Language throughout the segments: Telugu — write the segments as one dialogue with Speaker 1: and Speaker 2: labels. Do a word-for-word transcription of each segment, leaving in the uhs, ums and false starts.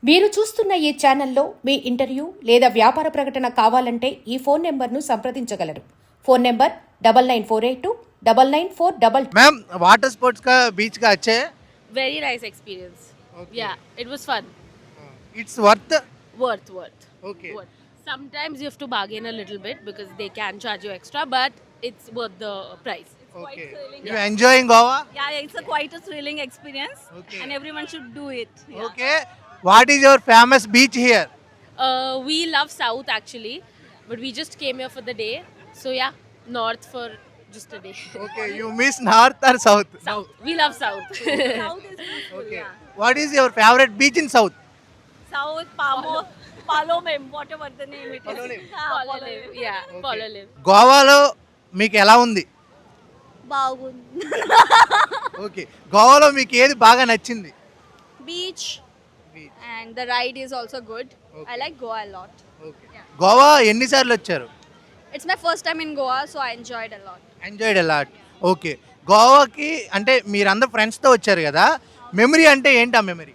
Speaker 1: మీరు చూస్తున్న ఈ ఛానల్లో మీ ఇంటర్వ్యూ లేదా వ్యాపార ప్రకటన కావాలంటే ఈ ఫోన్ నెంబర్ను సంప్రదించగలరు. Phone number double nine four eight two double nine four double.
Speaker 2: Ma'am water sports का बीच का अच्छे है.
Speaker 3: Very nice experience.
Speaker 2: Okay.
Speaker 3: Yeah, it was fun.
Speaker 2: It's worth.
Speaker 3: Worth, worth.
Speaker 2: Okay.
Speaker 3: Worth. Sometimes you have to bargain a little bit because they can charge you extra, but it's worth the price.
Speaker 2: Okay. You enjoying Goa?
Speaker 4: Yeah, it's a quite a thrilling experience,
Speaker 2: Okay.
Speaker 4: and everyone should do it. Yeah.
Speaker 2: Okay. What is your famous beach here?
Speaker 3: Uh, we love South actually, but we just came here for the day. So yeah, North for just a day.
Speaker 2: Okay. You miss north or south?
Speaker 3: South. We love South.
Speaker 4: South is beautiful.
Speaker 2: Okay.
Speaker 4: Yeah.
Speaker 2: What is your favorite beach in south?
Speaker 4: South, Pamo, Palomem, whatever the name it is.
Speaker 2: Palolem.
Speaker 4: Ah,
Speaker 3: Polo
Speaker 4: Palolem.
Speaker 3: live. Yeah, Polo live.
Speaker 2: గోవాలో మీకు ఎలా ఉంది?
Speaker 4: బాగుంది.
Speaker 2: ఓకే. గోవాలో మీకు ఏది బాగా నచ్చింది?
Speaker 4: Beach,
Speaker 2: Beach.
Speaker 4: and the ride is also good.
Speaker 2: Okay.
Speaker 4: I like Goa a lot.
Speaker 2: ఓకే. గోవా ఎన్నిసార్లు వచ్చారు?
Speaker 4: It's my first time in Goa, so I enjoyed a lot.
Speaker 2: Enjoyed a lot. Okay. గోవాకి అంటే మీరందరూ ఫ్రెండ్స్తో వచ్చారు కదా, మెమరీ అంటే ఏంటి ఆ మెమరీ?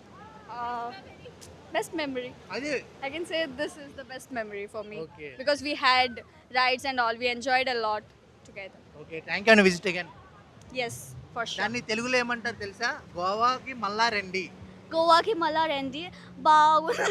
Speaker 4: Uh, best memory.
Speaker 2: అదే.
Speaker 4: I can say this is the best memory for me
Speaker 2: Okay.
Speaker 4: because we had rides and all. We enjoyed a lot together.
Speaker 2: Okay. Thank you and visit again.
Speaker 4: Yes, for sure.
Speaker 2: దాన్ని తెలుగులో ఏమంటారు తెలుసా? గోవాకి మళ్ళా రండి.
Speaker 4: గోవాకి మళ్ళా రండి. బాగుంది.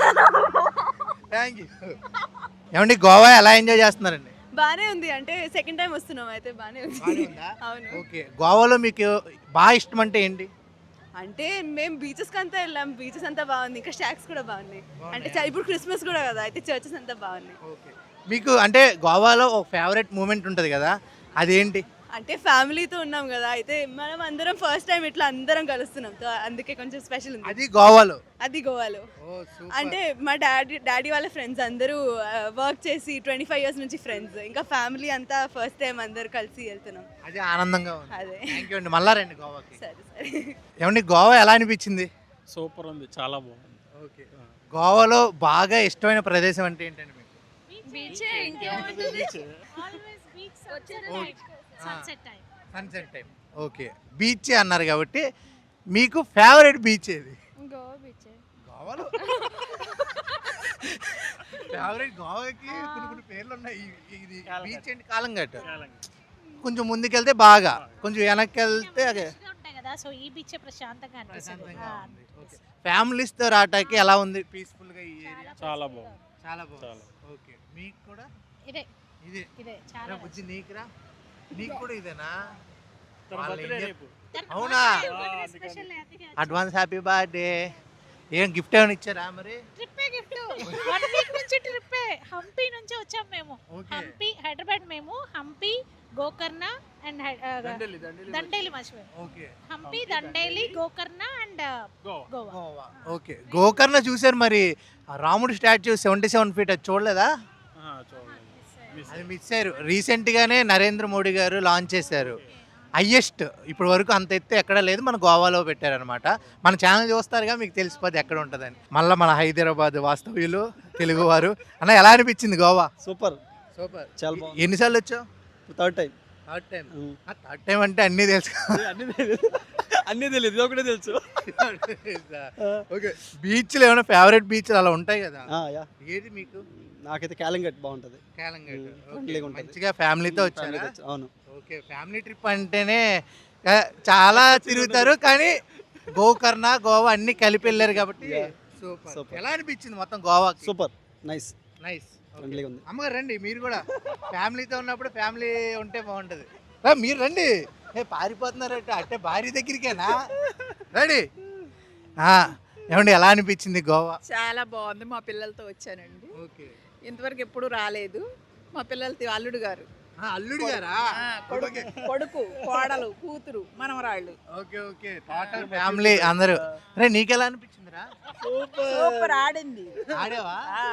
Speaker 2: Thank you. ఏమండి గోవా ఎలా ఎంజాయ్ చేస్తున్నారండి?
Speaker 5: బానే ఉంది, అంటే సెకండ్ టైం వస్తున్నాం అయితే బానే ఉంది.
Speaker 2: బాగానే ఉందా?
Speaker 5: అవును,
Speaker 2: ఓకే. గోవాలో మీకు బాగా ఇష్టం అంటే ఏంటి?
Speaker 5: అంటే మేము బీచెస్ అంతా వెళ్ళాం, బీచెస్ అంతా బాగుంది, ఇంకా స్టాక్స్ కూడా బాగున్నాయి.
Speaker 2: బాగున్నాయా?
Speaker 5: అంటే చ- ఇప్పుడు క్రిస్మస్ కూడా కదా, అయితే చర్చెస్ అంతా బాగున్నాయి.
Speaker 2: ఓకే. మీకు అంటే గోవాలో ఒక ఫేవరెట్ మూమెంట్ ఉంటుంది కదా, అదేంటి?
Speaker 5: అంటే ఫ్యామిలీతో ఉన్నాం కదా, అయితే మనం అందరం ఫస్ట్ టైం ఇట్లా అందరం కలుస్తున్నాం, సో అందుకే కొంచెం స్పెషల్ ఉంది.
Speaker 2: అది గోవాలో.
Speaker 5: అది గోవాలో.
Speaker 2: Oh super.
Speaker 5: అంటే మా డాడీ డాడీ వాళ్ళ ఫ్రెండ్స్ అందరూ వర్క్ చేసి ట్వంటీ ఫైవ్ ఇయర్స్ నుంచి ఫ్రెండ్స్, ఇంకా ఫ్యామిలీ అంతా ఫస్ట్ టైం అందరు కలిసి వెళ్తున్నాం.
Speaker 2: అది ఆనందంగా ఉంది.
Speaker 5: అదే.
Speaker 2: థ్యాంక్ యూ అండి. మళ్ళా రండి గోవాకి.
Speaker 5: సరే సరే.
Speaker 2: ఏమండి గోవా ఎలా అనిపించింది?
Speaker 6: సూపర్ ఉంది, చాలా బాగుంది.
Speaker 2: ఓకే. గోవాలో బాగా ఇష్టమైన ప్రదేశం అంటే ఏంటండి మీకు?
Speaker 4: బీచే ఇంకేముంటుంది.
Speaker 2: Sunset time. ఓకే. బీచ్ అన్నారు కాబట్టి మీకు ఫేవరెట్ బీచ్ ఏది?
Speaker 4: గోవా బీచే.
Speaker 2: గోవాలో ఫేవరెట్ గోవాకి కొన్ని కొన్ని పేర్లు ఉన్నాయి. ఇ- ఇది బీచ్ అండ్ కాలంగట్. కొంచెం ముందుకెళ్తే బాగా, కొంచెం వెనక్కి వెళ్తే అదే
Speaker 7: ఉంటాయి కదా, సో ఈ బీచ్ ప్రశాంతంగా అనిపిస్తుంది.
Speaker 2: ప్రశాంతంగా
Speaker 7: ఆ,
Speaker 2: ఉంది. ఓకే. ఫ్యామిలీస్తో రావటానికి ఎలా ఉంది? పీస్ఫుల్గా ఈ ఏరియా
Speaker 6: చాలా బాగుంది.
Speaker 2: చాలా బాగుంది.
Speaker 6: చాలా.
Speaker 2: ఓకే. మీకు కూడా
Speaker 7: ఇదే
Speaker 2: ఇదే
Speaker 7: ఇదే చాలా
Speaker 2: రా బుజ్జి, నీకురా నీకు కూడా ఇదేనా?
Speaker 6: తన
Speaker 2: వాళ్ళ
Speaker 6: బర్త్డే
Speaker 2: ఇండియా-
Speaker 6: రేపు.
Speaker 2: అవునా?
Speaker 7: స్పెషల్ అందుకే
Speaker 2: అడ్వాన్స్ హ్యాపీ బర్త్డే. ఏం గిఫ్ట్ ఏమైనా ఇచ్చారా మరి?
Speaker 7: ట్రిప్పే గిఫ్ట్ వన్ వీక్ నుంచి ట్రిప్పే. హంపి నుంచి వచ్చాం మేము.
Speaker 2: ఓకే.
Speaker 7: హంపి హైదరాబాద్, మేము హంపి, గోకర్ణ అండ్
Speaker 6: దండేలి, దండేలి
Speaker 7: దండేలి మర్చిపోయాం.
Speaker 2: Okay.
Speaker 7: Hampi, Dandeli, Gokarna and
Speaker 6: Goa.
Speaker 7: Goa.
Speaker 2: Goa. Okay. Gokarna చూశారు మరి, ఆ రాముడి స్టాచ్యూ సెవెంటీ సెవెన్ ఫీట్ అది చూడలేదా?
Speaker 6: ఆ, చూడండి. మిస్
Speaker 2: అది మిస్ అయ్యారు. రీసెంట్గానే నరేంద్ర మోడీ గారు లాంచ్ చేశారు. హయ్యెస్ట్ ఇప్పటి వరకు అంత ఎత్తు ఎక్కడ లేదు, మన గోవాలో పెట్టారనమాట. మన ఛానల్ చూస్తారుగా, మీకు తెలిసిపోద్ది ఎక్కడ ఉంటుందని. మళ్ళీ మన హైదరాబాద్ వాస్తవ్యులు తెలుగువారు అన్న ఎలా అనిపించింది గోవా?
Speaker 8: Super,
Speaker 2: super.
Speaker 8: చాలా బాగుంది.
Speaker 2: ఎన్నిసార్లు వచ్చావు?
Speaker 8: Third time.
Speaker 2: Third time. Third time అంటే అన్నీ తెలుసు.
Speaker 8: అన్నీ తెలియదు, అన్నీ తెలియదు, ఇది ఒకటే తెలుసు.
Speaker 2: ఓకే. బీచ్లు ఏమైనా ఫేవరెట్ బీచ్లు అలా ఉంటాయి కదా,
Speaker 8: ఆ, యా.
Speaker 2: ఏది మీకు?
Speaker 8: నాకైతే క్యాలింగట్ బాగుంటుంది.
Speaker 2: కాలంగట్.
Speaker 8: ఫ్రెండ్లీగా ఉంటుంది.
Speaker 2: మంచిగా ఫ్యామిలీతో వచ్చారా?
Speaker 8: ఫ్యామిలీతో వచ్చి- అవును.
Speaker 2: ఓకే. ఫ్యామిలీ ట్రిప్ అంటేనే ఆ, చాలా తిరుగుతారు, కానీ గోకర్ణ గోవా అన్ని కలిపి వెళ్ళారు కాబట్టి
Speaker 8: Yeah.
Speaker 2: సూపర్.
Speaker 8: Super.
Speaker 2: ఎలా అనిపించింది మొత్తం గోవా?
Speaker 8: Super, nice,
Speaker 2: nice.
Speaker 8: ఫ్రెండ్లీగా ఉంది.
Speaker 2: అమ్మగారు రండి, మీరు కూడా ఫ్యామిలీతో ఉన్నప్పుడు ఫ్యామిలీ ఉంటే బాగుంటుంది. రా, మీరు రండి. ఏ పారిపోతున్నారట అంటే భార్య దగ్గరికేనా? రండి. ఆ, ఏమండి ఎలా అనిపించింది గోవా?
Speaker 9: చాలా బాగుంది. మా పిల్లలతో వచ్చానండి.
Speaker 2: ఓకే.
Speaker 9: ఇంతవరకు ఎప్పుడు రాలేదు. మా పిల్లలతో అల్లుడు గారు,
Speaker 2: ఆ, అల్లుడు గారా?
Speaker 9: ఆ, కొడుకు కొడుకు కోడలు కూతురు మనవరాళ్ళు.
Speaker 2: ఓకే. ఓకే. టోటల్ ఫ్యామిలీ అందరూ. రే, నీకెలా అనిపించిందిరా?
Speaker 9: సూపర్ ఆడింది.
Speaker 2: ఆడేవా?
Speaker 9: ఆ.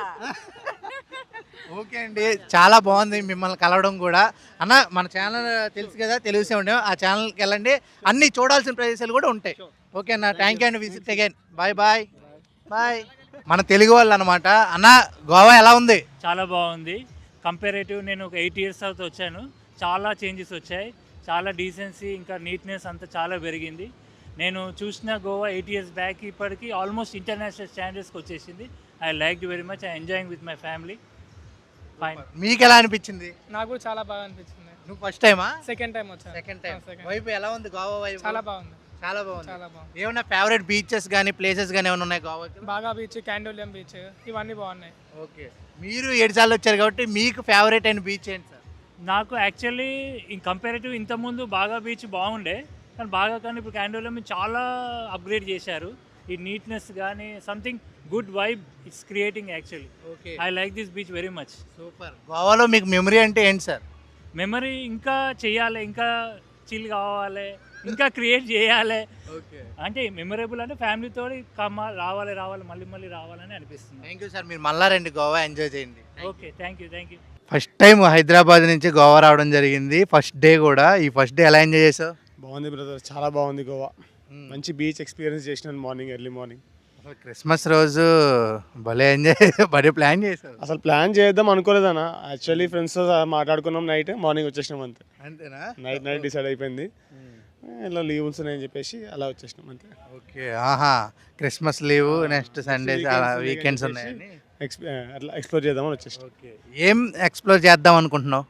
Speaker 2: ఓకే అండి, చాలా బాగుంది మిమ్మల్ని కలవడం కూడా. అన్న, మన ఛానల్ తెలుసు కదా, తెలుగు సెవెన్, ఆ ఛానల్కి వెళ్ళండి, అన్ని చూడాల్సిన ప్రదేశాలు కూడా ఉంటాయి. ఓకే అన్న, థ్యాంక్ యూ అండి. Visit again. Bye bye bye. మన తెలుగు వాళ్ళు అనమాట. అన్న, గోవా ఎలా ఉంది?
Speaker 10: చాలా బాగుంది. కంపారేటివ్ నేను ఒక ఎయిట్ ఇయర్స్ తర్వాత వచ్చాను, చాలా చేంజెస్ వచ్చాయి. చాలా డీసెన్సీ ఇంకా నీట్నెస్ అంతా చాలా పెరిగింది. నేను చూసిన గోవా ఎయిట్ ఇయర్స్ బ్యాక్ ఇప్పటికి ఆల్మోస్ట్ ఇంటర్నేషనల్ స్టాండర్డ్స్కి వచ్చేసింది. I like very much. I enjoying with my family. Fine.
Speaker 2: మీకు ఎలా అనిపించింది?
Speaker 11: నాకు కూడా చాలా బాగా అనిపించింది.
Speaker 2: నువ్వు ఫస్ట్ టైమా?
Speaker 11: సెకండ్ టైం వచ్చాను.
Speaker 2: Second time.
Speaker 11: second.
Speaker 2: వైపు ఎలా ఉంది గోవా వైపు?
Speaker 11: చాలా బాగుంది.
Speaker 2: చాలా బాగుంది.
Speaker 11: చాలా బాగుంది.
Speaker 2: ఏమన్నా ఫేవరెట్ బీచెస్ కానీ ప్లేసెస్ కానీ ఏమైనా ఉన్నాయి గోవాకి?
Speaker 11: బాగా బీచ్, క్యాండోలియం బీచ్ ఇవన్నీ బాగున్నాయి.
Speaker 2: ఓకే, మీరు ఏడు సార్లు వచ్చారు కాబట్టి మీకు ఫేవరెట్ అయిన బీచ్ ఏంటి సార్?
Speaker 10: నాకు యాక్చువల్లీ ఇన్ కంపారేటివ్ ఇంతకుముందు బాగా బీచ్ బాగుండే, కానీ బాగా కానీ ఇప్పుడు క్యాండోలో చాలా అప్గ్రేడ్ చేశారు. ఈ నీట్నెస్ కానీ something good vibe it's creating actually.
Speaker 2: Okay,
Speaker 10: I like this beach very much.
Speaker 2: Super. గోవాలో మీకు మెమరీ అంటే ఏంటి సార్?
Speaker 10: మెమరీ ఇంకా చేయాలి, ఇంకా చిల్ కావాలి, ఇంకా క్రియేట్ చేయాలి.
Speaker 2: ఓకే,
Speaker 10: అంటే మెమరబుల్ అంటే ఫ్యామిలీతో కమ్మ రావాలి రావాలి మళ్ళీ మళ్ళీ రావాలని అనిపిస్తుంది.
Speaker 2: Thank you sir. మీరు మళ్ళా రండి, గోవా ఎంజాయ్ చేయండి.
Speaker 10: Okay, thank you thank you.
Speaker 2: First time Hyderabad నుంచి గోవా రావడం జరిగింది. ఫస్ట్ డే కూడా. ఈ ఫస్ట్ డే ఎలా ఎంజాయ్ చేసావు?
Speaker 6: బాగుంది బ్రదర్, చాలా బాగుంది గోవా. మంచి బీచ్ ఎక్స్పీరియన్స్ చేసినాను మార్నింగ్, ఎర్లీ మార్నింగ్.
Speaker 2: క్రిస్మస్ రోజు భలే ఎంజాయ్ భలే ప్లాన్ చేసావు.
Speaker 6: అసలు ప్లాన్ చేద్దాం అనుకోలేదన్న. యాక్చువల్లీ ఫ్రెండ్స్తో మాట్లాడుకున్నాం, నైట్ మార్నింగ్ వచ్చేసినాం అంతే.
Speaker 2: అంతేనా?
Speaker 6: నైట్ నైట్ డిసైడ్ అయిపోయింది ఇలా లీవ్స్ ఉన్నాయని చెప్పేసి అలా వచ్చేసినాం అంతే.
Speaker 2: ఓకే, ఆహా, Christmas leave next Sunday weekends ఉన్నాయని
Speaker 6: ఎక్స్పీ అట్లా ఎక్స్ప్లోర్ చేద్దామని వచ్చేసినాం.
Speaker 2: ఓకే, ఏం ఎక్స్ప్లోర్ చేద్దాం అనుకుంటున్నావు?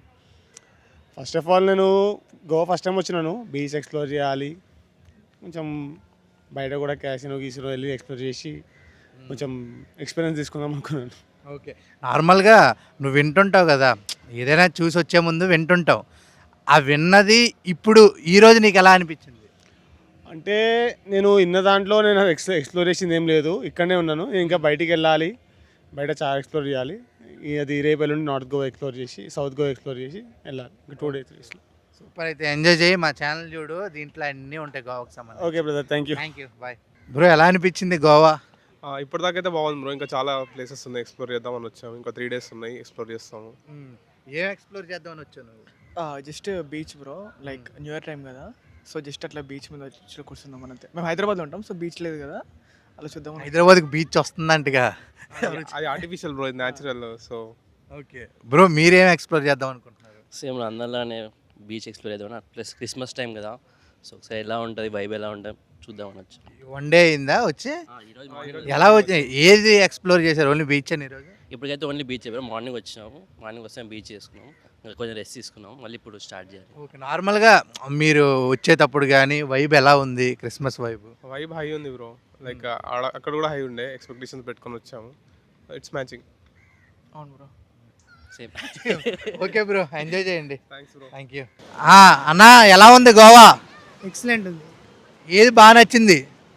Speaker 6: ఫస్ట్ ఆఫ్ ఆల్ నేను గోవా ఫస్ట్ టైం వచ్చినాను. బీచ్ ఎక్స్ప్లోర్ చేయాలి, కొంచెం బయట కూడా క్యాసినో గీసినో వెళ్ళి ఎక్స్ప్లోర్ చేసి కొంచెం ఎక్స్పీరియన్స్ తీసుకుందాం అనుకున్నాను.
Speaker 2: ఓకే, నార్మల్గా నువ్వు వింటుంటావు కదా, ఏదైనా చూసి వచ్చే ముందు వింటుంటావు. ఆ విన్నది ఇప్పుడు ఈరోజు నీకు ఎలా అనిపించింది?
Speaker 6: అంటే నేను ఇన్న దాంట్లో నేను ఎక్స్ ఎక్స్ప్లోర్ చేసింది ఏం లేదు, ఇక్కడనే ఉన్నాను. నేను ఇంకా బయటికి వెళ్ళాలి, బయట చాలా ఎక్స్ప్లోర్ చేయాలి. ఈ అది రేపు ఎల్లుండి నార్త్ గోవా ఎక్స్ప్లోర్ చేసి సౌత్ గోవా ఎక్స్ప్లోర్ చేసి వెళ్ళాలి. ఇంకా టూ డేస్.
Speaker 2: సూపర్, అయితే ఎంజాయ్ చేయి. మా ఛానల్ చూడు, దీంట్లో అన్నీ ఉంటాయి గోవాకి సంబంధించి.
Speaker 6: Okay brother, thank you.
Speaker 2: Thank you, bye. Bro, ఎలా అనిపించింది గోవా?
Speaker 12: ఇప్పటిదాకైతే బాగుంది బ్రో. ఇంకా చాలా ప్లేసెస్ ఉన్నాయి, ఎక్స్ప్లోర్ చేద్దామని వచ్చాము. ఇంకా త్రీ డేస్ ఉన్నాయి, ఎక్స్ప్లోర్ చేస్తాము.
Speaker 2: ఏం ఎక్స్ప్లోర్ చేద్దామని వచ్చావు నువ్వు?
Speaker 11: Just beach bro, like new year time కదా, సో జస్ట్ అట్లా బీచ్ మీద వచ్చి కూర్చుందాం అంతే. మేము హైదరాబాద్లో ఉంటాం, సో బీచ్ లేదు కదా, అలా చూద్దాం.
Speaker 2: హైదరాబాద్కి బీచ్ వస్తుందంటగా.
Speaker 12: అది ఆర్టిఫిషియల్ బ్రో, ఇది న్యాచురల్. సో
Speaker 2: ఓకే బ్రో, మీరేం ఎక్స్ప్లోర్ చేద్దాం అనుకుంటున్నారు?
Speaker 13: సేమ్ అందరిలానే బీచ్ ఎక్స్ప్లోర్ చేద్దామని, ప్లస్ క్రిస్మస్ టైం కదా, సో ఒకసారి ఎలా ఉంటుంది వైబ్ ఎలా ఉంటుంది చూద్దామని వచ్చి.
Speaker 2: వన్ డే అయిందా వచ్చి? ఎలా వచ్చి ఏది ఎక్స్ప్లోర్ చేశారు? ఓన్లీ బీచ్ అని ఈరోజు?
Speaker 13: ఇప్పటికైతే ఓన్లీ బీచ్ చెప్పారు. మార్నింగ్ వచ్చినాము, మార్నింగ్ వస్తే బీచ్ చేసుకున్నాం, ఇంకా కొంచెం రెస్ట్ తీసుకున్నాం, మళ్ళీ ఇప్పుడు స్టార్ట్ చేయాలి.
Speaker 2: ఓకే, నార్మల్గా మీరు వచ్చేటప్పుడు కానీ వైబ్ ఎలా ఉంది? క్రిస్మస్ వైబ్
Speaker 12: వైబ్ హై ఉంది బ్రో. లైక్ అక్కడ కూడా హై ఉండే, ఎక్స్పెక్టేషన్స్ పెట్టుకొని వచ్చాము. It's matching.
Speaker 11: అవును bro,
Speaker 13: same.
Speaker 2: Okay bro, enjoy చేయండి.
Speaker 12: Thanks bro.
Speaker 2: Thank you. అన్నా, ఎలా ఉంది గోవా?
Speaker 11: ఎక్సలెంట్ ఉంది.
Speaker 2: ఏది బాగా నచ్చింది?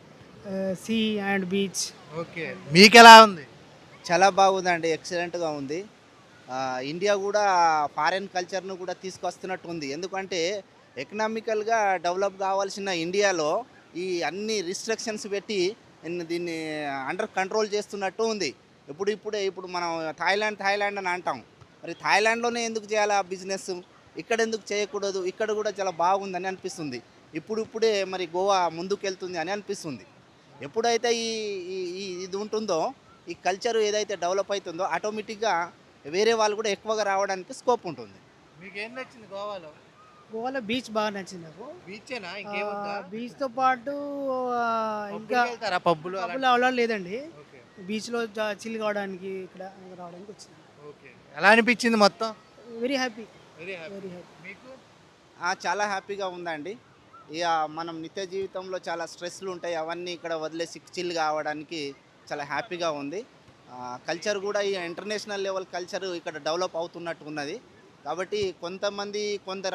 Speaker 11: See and beach.
Speaker 2: ఓకే, మీకు ఎలా ఉంది?
Speaker 14: చాలా బాగుందండి, ఎక్సలెంట్గా ఉంది. ఆ, ఇండియా కూడా ఫారెన్ కల్చర్ను కూడా తీసుకొస్తున్నట్టు ఉంది. ఎందుకంటే ఎకనామికల్గా డెవలప్ కావాల్సిన ఇండియాలో ఈ అన్ని రిస్ట్రిక్షన్స్ పెట్టి ఇన్- దీన్ని అండర్ కంట్రోల్ చేస్తున్నట్టు ఉంది. ఇప్పుడు ఇప్పుడే ఇప్పుడు మనం థాయిలాండ్ థాయిలాండ్ అని అంటాం, మరి థాయిలాండ్లోనే ఎందుకు చేయాలి ఆ బిజినెస్, ఇక్కడ ఎందుకు చేయకూడదు? ఇక్కడ కూడా చాలా బాగుందని అనిపిస్తుంది. ఇప్పుడు ఇప్పుడే మరి గోవా ముందుకెళ్తుంది అని అనిపిస్తుంది. ఎప్పుడైతే ఈ ఈ- ఈ ఇది ఉంటుందో, ఈ కల్చర్ ఏదైతే డెవలప్ అవుతుందో, ఆటోమేటిక్గా వేరే వాళ్ళు కూడా ఎక్కువగా రావడానికి స్కోప్ ఉంటుంది.
Speaker 2: మీకు ఏం నచ్చింది గోవాలో?
Speaker 11: గోవాలో బీచ్ బాగా నచ్చింది నాకు.
Speaker 2: బీచేనా? ఇంకేముందా?
Speaker 11: బీచ్తో పాటు ఇంకా
Speaker 2: వెళ్తారా పబ్బులు?
Speaker 11: పబ్బులు అలా లేదండి,
Speaker 2: ఓకే,
Speaker 11: బీచ్లో చిల్ కావడానికి ఇక్కడ రావడానికి వచ్చింది.
Speaker 2: ఓకే, ఎలా అనిపించింది మొత్తం?
Speaker 11: Very happy,
Speaker 2: very happy.
Speaker 11: Very happy.
Speaker 2: మీకు?
Speaker 14: ఆ, చాలా హ్యాపీగా ఉందండి. ఇక మనం నిత్య జీవితంలో చాలా స్ట్రెస్లు ఉంటాయి, అవన్నీ ఇక్కడ వదిలేసి చిల్ కావడానికి చాలా హ్యాపీగా ఉంది. కల్చర్ కూడా ఈ ఇంటర్నేషనల్ లెవెల్ కల్చర్ ఇక్కడ డెవలప్ అవుతున్నట్టు ఉన్నది. కాబట్టి కొంతమంది కొందరు